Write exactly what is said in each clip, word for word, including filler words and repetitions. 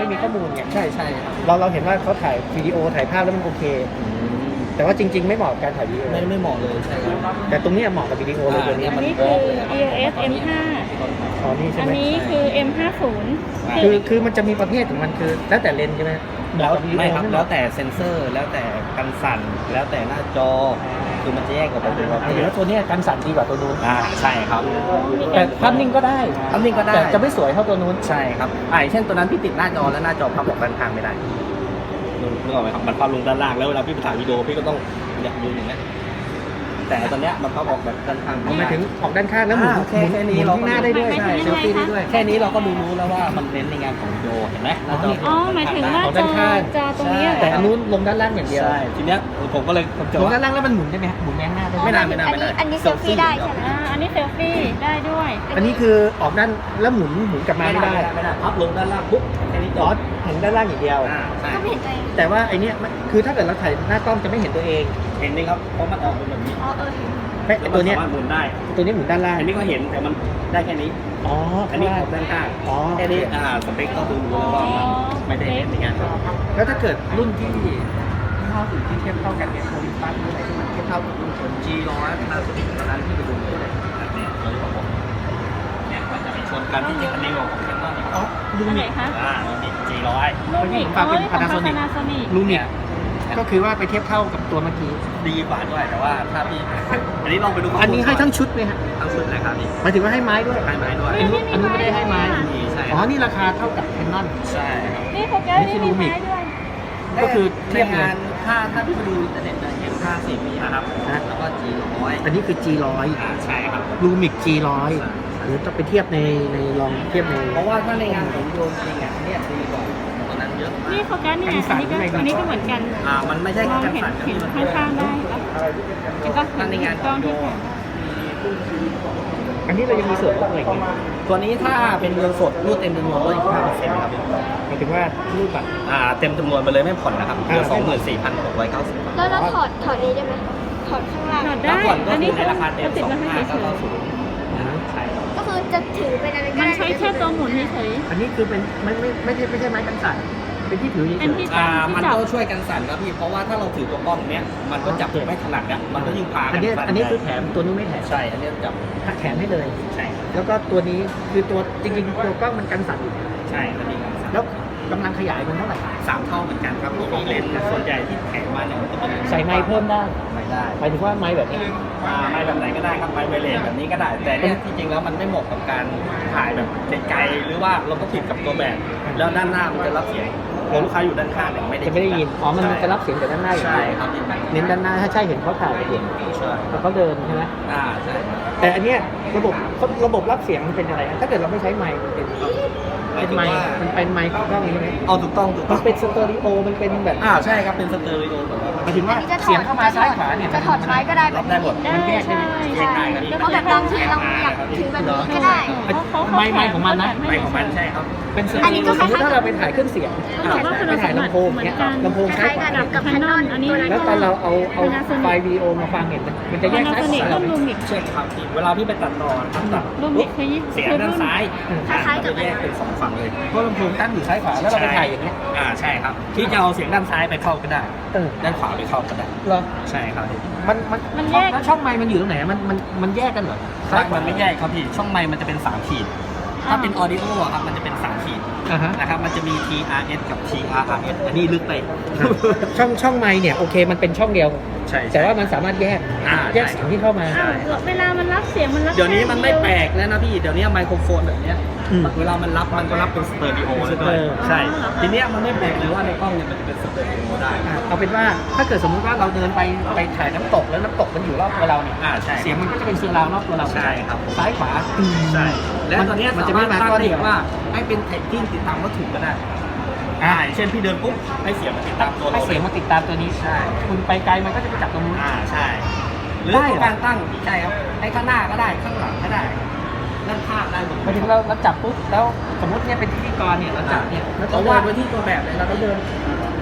มีข้อมูลไงใช่ใช่ครับเราเราเห็นว่าเขาถ่ายวิดีโอถ่ายภาพแล้วมันโอเค แต่ว่าจริง ๆ ไม่เหมาะกับการถ่ายวิดีโอไม่ไม่เหมาะเลยใช่ครับแต่ตรงนี้เหมาะกับวิดีโอเลยตัวนี้อันนี้คือ อี โอ เอส เอ็ม ห้าอ๋อนี่ใช่อันไหมนี้คือ เอ็ม ห้าสิบคือคือมันจะมีประเภทของมันคือแล้วแต่เลนส์ใช่ไหมแล้วเหาะกับวิดีโอไม่ครับเหแล้มาะวแต่เซ็นเซอร์แล้วแต่กันสั่นแล้วแต่หน้าจอคือมันจะแยกออกไปเป็นประเภเดี๋ยวทตัวเนี้ยการสั่นดีกว่าตัวนู้นอ่าใช่ครับแต่ภาพนิ่งก็ได้อันนี้ก็ได้แต่จะไม่สวยเท่าตัวนู้นใช่ครับอ่าอย่างเช่นตัวนั้นพี่ติดหน้าจอแล้วหน้าจอพับออกด้านข้างไม่ได้นึกออกไหมครับมันพับลงด้านล่างแล้วเวลาพี่ไปถ่ายวิดีโอพี่ก็ต้องอยากยืนอย่างนี้ยแต่ตอนเนี้ยมันพับออกแบบด้านข้างเอาหมายถึงออกด้านข้างแล้วหมุนอ่าแค่หมุนแค่นี้หมุนเราข้างหน้าได้ด้วยไม่ไม่เซลฟี่ได้ด้วยแค่นี้เราก็ดูรู้แล้วว่ามันเน้นในงานของวิดีโอเห็นไหมหน้าจออ๋อหมายถึงว่าออกจด้าอนข้างจอตรงนี้เหรอแต่อันนู้นลงด้านล่างอย่างเดียวใช่ทีเนี้ยผมก็เลยผมจะลงว่าด้านล่างแล้วมันหมุนได้ไหมฮะหมุนไปข้างหน้าได้ไหมไม่นานไม่นานอันนี้อันนี้เซลฟี่ได้ใช่ไหมอ่าอันนี้เซลฟี่ได้ด้วยอันนี้คือออกด้านแล้วหมุนหมุนกลับมาไม่ได้ไม่ได้พับลงด้านล่างปุ๊บแค่นี้จอ๋ออเห็นด้านล่างอย่างเดียวอ่าใช่ก็ไม่เห็นตัวเองแต่ว่าไอเนี้ยมันคือถ้าเกิดเราถ่ายหน้ากล้องจะไม่เห็นตัวเองเห็นไหมครับเพราะมันออกเป็นแบบนี้อ๋อเออเห็นไอ้ตัวเนี้ยมัสามารถหมุนได้ตัวนี้หมุนด้านล่างอันนี้ก็เห็นแต่มันได้แค่นี้อ๋ออันนี้ออกด้านข้างอ๋อแค่นี้อ่าสเปคก็ดูรู้แล้วว่ามันไม่ได้เน้นในงานของแล้วถ้าเกิดรุ่นที่ยี่ห้ออื่นที่เทียบเท่ากันเนี่ยโอลิมปัสหรืออะไรที่มันเทียบเท่ากับรุ่นคนจีร้อยพาสติกตอนนั้นที่ไปดูเลยแบบเนี้ยเราบอกว่าเนี่ยมันจะไปชนกันที่จริงอันนี้ของแคนนอนอ๋อลูอันไหนมิกคะอ่ามันมีจีร้อยลูมิกฝากเป็นของ Panasonic Panasonic ลูมิกก็คือว่าไปเทียบเท่ากับตัวเมื่อกี้ดีกว่าด้วยแต่ว่าถ้าพี่อันนี้ลองไปดูข้มูลอันนี้ให้ทั้งชุดไหมฮะทั้งชุดเลยครับพี่หมายถึงว่าให้ไม้ด้วยให้ไม้ด้วยอันนี้อันนี้ไม่ได้ให้ไม้นี่ใช่อ๋อ นี่ราคาเท่ากับแคนนอนใช่ครับนี่โฟกัสนี่มีไม้ด้วยก็คือในเทียบเลยงานถ้าถ้าพี่ไปดูอินเทอร์เน็ตจะเห็นห้าสิบมีนะครับฮะแล้วก็จีร้อยอันนี้คือ จี ร้อยอ่าใช่ครับลูมิก จี ร้อยหรือต้องไปเทียบในในลองเทียบในเพราะว่าถ้าในงานของโยนจริงอ่ะเนี่ยดีกว่าตัวนั้นเยอะนี่โฟกัสนี่ไงอันนี้ก็อันนี้ก็เหมือนกันอ่ามันไม่ใช่มองแค่เห็นสั่นเห็นข้างๆได้ปะเห็นปะถ้าในงานกขล้ออง งโยที่ถ่ายอันนี้เรายังมีส่วนลดอะไรอีกไหมตัวนี้ถ้าเป็นเงินสดรูดเต็มจำนวนลดอีกห้าเปอร์เซ็นต์ครับหมายถึงว่ารูปบัตรอ่าเต็มจำนวนไปเลยไม่ผ่อนนะครับเหลือสองหมื่นสี่พันหกร้อยเก้าสิบแล้วเราถอดถอดนี้ได้ไหมถอดข้างล่างถอดแล้วได้ผ่อนก็อันคืนี้อในราคาเต็มเขาติดสองมาให้ห้าเฉเก้าย เก้าศูนย์ใช่ครับก็คือจะถือเป็นอะไรๆก็มันได้ใช้แค่ตัวหมุนเฉยอันนี้คือเป็นไม่ไม่ไม่ใช่ไม่ใช่ไม้กันสั่นเป็นที่ถือเฉเป็นยที่อ่ามันก็ช่วยกันสั่นครับพี่เพราะว่าถ้าเราถือตัวกล้องเนี้ยมันก็จับไม่ถนัดเนี่ยมันก็ยิ่งพาๆกัอันนนี้สั่นอันนี้คือแถได้มตัวนู้นไม่แถมใช่อันนี้จับแถมให้เลยใช่ครับแล้วก็ตัวนี้คือตัวจริงๆตัวกล้องมันกันสั่นอยู่ใช่ก็มีการสั่นแล้วกำลังขยายมันเท่าไหร่สามเท่าเหมือนกันครับมีเลนส์แต่ส่วนใหญ่ที่แถมมาเนี่ยมันจะเป็นใส่ไม้เพิ่มได้ไม่ได้หมายถึงว่าไม้แบบนี้อ่าไม่แบบไหนก็ได้ครับไมไวเลสแบบนี้ก็ได้ แต่เนี่ยจริงๆแล้วมันไม่เหมาะกับการถ่ายแบบไกลๆหรือว่าเราต้องติดกับตัวแบบ แล้วด้านหน้ามันจะรับเสียงแล้วลูกค้าอยู่ด้านข้างเนี่ยไม่ได้จะไม่ได้ยิน อ๋อ มันจะรับเสียงแต่ด้านหน้าอย่างใช่เดียวครับเน้นด้านหน้า ถ้าใช่เห็นเขาถ่ายเห็นใช่แล้วเขาเดินใช่ไหมอ่าใช่ครับแต่อันเนี้ยระบบระบบรับเสียงมันเป็นอะไรฮะถ้าเกิดเราไม่ใช้ไมค์มันเป็นหมายเป็นถึงไมค์ว่ามันเป็นไมค์ของกล้องใช่ไหมเอาถูกต้องถูกต้มัอน งเป็นสเตอริโอ มันเป็นแบบอ่าใช่ครับเป็นสเตอริโอแบบว่าหมายถึงว่าอันนี้จะถเสีอยงดเข้ามาซ้ายขวาเนี่ยจะถอดไม้ก็ได้แบบได้นี้หมดๆ ได้มันแยกใช่แยกได้ครับเอาแบบลองที่เราอยากถือแบบนี้ก็ได้ไมค์ไมค์ของมันนะไปของมันใช่ครับเป็นสเตอัอนนี้ริก็โอคสล้ายๆมมติถ้าเราไปถ่ายเครื่องเสียงต้องบอกว่าคุณไปสถ่ายมบัติลำโพงเหมือเนี้นยกันลำโพงคซ้ายล้ายขๆกัวาบกับแคนนอนอันนี้ตัวนั้นแล้วตอนเราเอาเอาไฟล์วิดีโอมาฟังเนี่ยมันมันจะแยกซ้ายข Panasonic วารุ่นลูมิกเช่นครับที่เวลาพี่ไปตัดต่อนะครับตัดลูมิกคือยี่เสียงคือด้านรุ่นซ้ายคล้ายๆกับจะแยกเป็นสองฝั่งเลยเพราะลำโพงตั้งอยู่ซ้ายขวาแล้วเราไปถ่ายอย่างเงี้ยอ่าใช่ครับที่จะเอาเสียงด้านซ้ายไปเข้าก็ได้เออด้านขวาไปเข้าก็ได้เหรอใช่ครับมันมันมันแยกแล้วช่องไมค์มันอยู่ตรงไหนอะมันมันมันแยกกันเหรอถ้ามันไม่แยกครับพี่ช่องไมค์มันจะเป็นสามขีด ถ้าเป็นออดิโออะครับมันจะเป็นสามขีดอ่าฮะนะครับมันจะมี ที อาร์ เอส กับ ที อาร์ อาร์ เอส อันนี้ลึกไปช่องช่องไมค์เนี่ยโอเคมันเป็นช่องเดียวใช่แต่ว่ามันสามารถแยกอ่าแยกเสียงที่เข้ามาอ้าวเวลามันรับเสียงมันรับเดี๋ยวนี้มันไม่แปลค่กแล้วนะพี่เดี๋ยวนี้ไมโครโฟนแบบเนี้ยอืมเวลามันรับมันก็รับเป็นสเตอริโอเลยด้วยเออใช่ทีเนี้ยมันไม่แปลกเลยว่าในกล้องเนี่ยมันจะเป็นสเตอริโอได้อ่ะเอาเป็นว่าถ้าเกิดสมมุติว่าเราเดินไปไปถ่ายน้ำตกแล้วน้ำตกมันอยู่รอบตัวเราเนี่ยอ่าใช่เสียงมันก็จะเป็นเซอร์ราวด์รอบตัวเราใช่ครับซ้ายขวาใช่และตอนเนี้ยมันสาจะมาไม่รถมาตั้งก้อนได้เดียวว่าให้เป็นแท็กกิ้งติดตามวัตถุก็ได้อ่าอย่างเช่นพี่เดินปุ๊บให้เสียงมันติดตามตัวให้เราเสียงมาติดตามตัวนี้ใช่คุณไปไกลมันก็จะไปจับตรงนู้นอ่าใช่หรือได้เหรอการตั้งใช่ครับให้ข้างหน้าก็ได้ข้างหลังก็ได้ด้านข้างได้หมดหมายถึงเราเราจับปุ๊บแล้วสมมติเนี่ยเป็นพิธีกรเนี่ยเราจับเนี่ยแล้วเราเราวาวาดดไว้ที่ตัวแบบเลยเราก็เดิน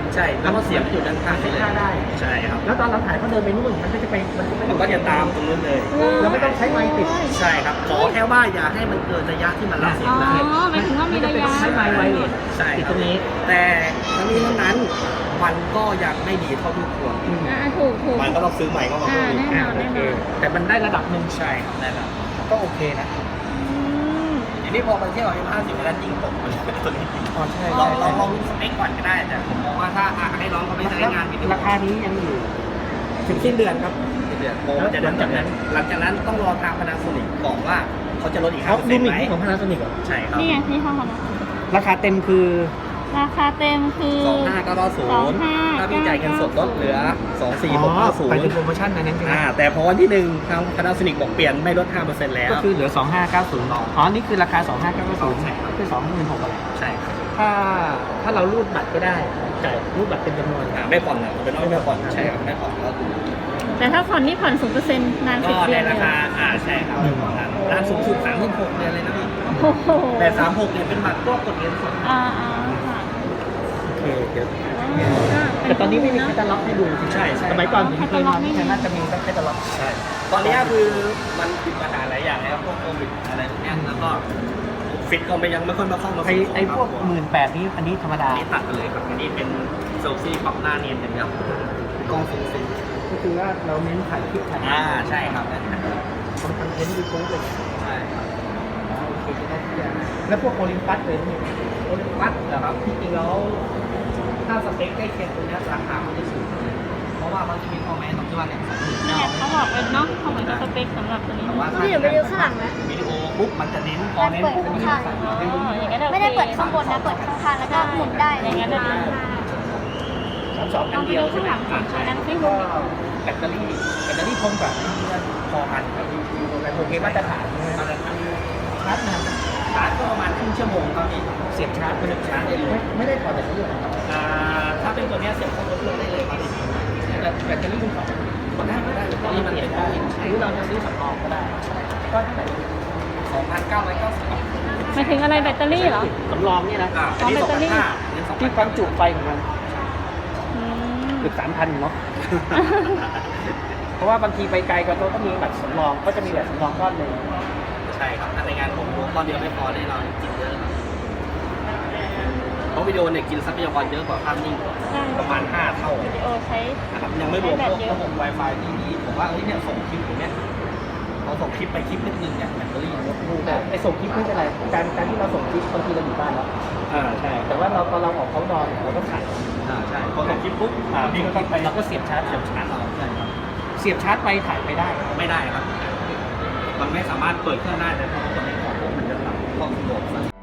ใช่แล้วก็เสียบอยู่ด้านข้างเช็คเลยค่าได้ใช่ครับแล้วตอนเราถ่ายเขาเดินไปนู่นมันก็จะไปมันก็ไม่มันก็จะตามตรงนู้นเลยเราไม่ต้องใช้ไมค์ติดใช่ครับขอแค่ว่าอย่าให้มันเกินระยะที่มันรับเสียอ๋งอได้หมายถึงว่ามีระยะใช้ไมค์ไวเลสใช่ติดคตรับรงนี้แต่ทั้งนี้ทั้งนั้นมันก็ยังไม่ดีเท่าที่ควรอืมอ่าถูกถูกมันก็ต้องซื้อใหม่เข้ามาอ่าเพิ่มอีกแน่นอ่าอนโอแน่เคนอนแต่มันได้ระดับหนึ่งใช่ครับได้ครับก็โอเคนะอืมทีนี้พอมันเทียบกับ เอ็ม ห้าสิบ แล้วยิ่งตกมันตัวนี้อ๋อใช่ลใช่องลองลใช่องดูสเปคก่อนก็ได้แต่ผมมองว่าถ้าอ่ะให้น้องเขาไปใช้งานวิดีโอราคานี้ยังอยู่ ถึงสิ้นเดือนครับเดือนโปรแล้วจะหลังจากนั้นหลังจากนั้นต้องรอทาง Panasonic บอกว่าเขาจะลดอีกเขาห้าเปอร์ดูเซ็นต์มิไหมกของ Panasonic เหรอใช่ครับนี่ไงที่ห้องนะราคาเต็มคือราคาเต็มคือสองห้าเก้าเก้าศูนย์สองห้าถ้าพี่จ่ายเงินสดลดเหลือสองสี่หกห้าศูนไปย์ถึงโปรโมชั่นในนั้นใช่ไหมอ่าแต่พอวันที่หนึ่งทาง Panasonic บอกเปลี่ยนไม่ลดห้าเปอร์เซ็นต์แล้วก็คือเหลือ สองห้าเก้าศูนย์ อ๋อ นี่คือราคา สองห้าเก้าศูนย์ใช่ครับคือ สองหมื่นหกพันใช่ครับถ้าถ้าเรารูดบัตรก็ได้ จ่ายรูดบัตรเป็นจำนวนอ่าไม่ผ่อนนะเป็นน้อยไม่ผ่อนใช่ครับไม่ผ่อนก็แต่ถ้าผ่อนนี่ผ่อนศูนย์เปอร์เซ็นต์นานสิก็บเดืในอนเลราย คาอ่าใช่ครับประมาณร้านสูงสุดสามสิบหกเดือนเลยนะพี่โอ้โหแต่สามหกเนี่ยเป็นบัตรพวกกดเงินสดอ่าอ่าค่ะโอเค เดี๋ยวอ่าแต่ตอนนี้ไม่มีเะแคตตาล็อกให้ดูใช่ใช่สมัยก่อนผมเคยมาไม่มีที่น่าจะมีแคตตาล็อกใช่ ตอนนี้คือมันติดปัญหาหลายอย่างนะครับพวกโควิดอะไรพวกเนี้ยแล้วก็ฟิตก็ไม่ยังไม่ค่อยมาเข้ามาไอไอพวกหมื่นแปดนี้อันนี้ธรรมดาอันนี้ตัดไปเลยครับอันนี้เป็นเซลฟี่ปรับหน้าเนียนอย่างเดียวกล้องฟูลฟิล์มก็คือว่าเราเน้นถ่ายคลิปถ่ายอ่าใช่ครับนั่นนะทำคอนเทนต์ยูทูบเลยใช่ครับอ๋อโอเคได้ทุกอย่างแล้วพวกโอลิมปัสเลยนี่โอลิมปัสเหรอครับที่จริงแล้วถ้าสเปคใกล้เคียงตัวเนี้ยราคามันจะสูงเพราะว่ามันจะมีข้อแม้ตรงที่ว่าเนี่ยสองหมื่นนี่เก้าไงเขาบอกเป็นเนาะเขาเหมือนกับสเปคสำหรับตัวนี้แต่ว่าพี่เดี๋ยวไปดูข้างหลังนะวิดีโอปุ๊บมันจะเน้นพอเน้นปุ๊บมันจะใส่อ๋อให้ดูอย่างนั้นโอคไม่ได้เปิดข้างบนนะ เปิดข้างๆแล้วก็หมุนได้อย่างนั้นเลยดีสามสองลอัองนไปเดียวดูใช่ข้างไหมหลังของนั้นซิก็แบตเตอรี่แบตเตอรี่ทนกว่าพอกันกับแต่โอเคมาตรฐานใช่ไหมมาตรฐานชาร์จนานชาร์จก็ประมาณครึ่งชั่วโมงครับพี่เสียบชาร์จเสียบชาร์จได้เลยไม่ไม่ได้ถอดจากเครื่องนะครับอ่าถ้าเป็นตัวเนี้ยเสียบเข้าตัวเครื่องได้เลยครับแต่แบตเตอรี่มันถอดก็ได้ก็ได้ก็นี่มันเปลี่เป็ยนนได้หรือเราจะซื้อสำรองก็ได้ ก็เท่าไหร่สองพันเก้าร้อยเก้าสิบหมายถึงอะไรแบตเตอรี่เหรอสำรองเนี่ยนะอ่าอันนี้อ๋สอองแบตเตอรี่พันห้านี่สองพัที่นความจุไฟของมันอืมเกือบสามพันเนาะ เพราะว่าบางทีไปไกลก็ต้องมีบัตรสำรอง ก็จะมีบัตรสำรองก้อนหนึ่งใช่ครับถ้าในงานผมตอนเดียวไม่พอแน่นอนกินเยอะครับเพราะวิดีโอเนี่ยกินทรัพยากรเยอะกว่าภาพนิ่งใช่ประมาณห้าเท่าวิดีโอใช้นะครับยังไม่รวมพวกระบบ Wi-Fi ที่ดีผมว่าเฮ้ยเนี่ยส่งคลิปอย่างเนี้ยเราส่งคลิปไปคลิปนิดนึงเนี่ยแบตเตอรี่ลดลูกแต่ไอส่งคลิปไม่เป็นไร การการที่เราส่งคลิปบางทีเราอยู่บ้านแล้วอ่าใช่แต่ว่าเราตอนเราออกเขานอนเราก็ถ่ายอ่าใช่พอส่งคลิปปุ๊บอ่าพี่ก็ต้องไปเราก็เสียบชาร์จเสียบชาร์จอ่าใช่ครับเสียบชาร์จไปถ่ายไปได้ไม่ได้ครับ มันไม่สามารถเปิดเครื่องได้แต่พอคนในของพวกมันจะทำความสะดวก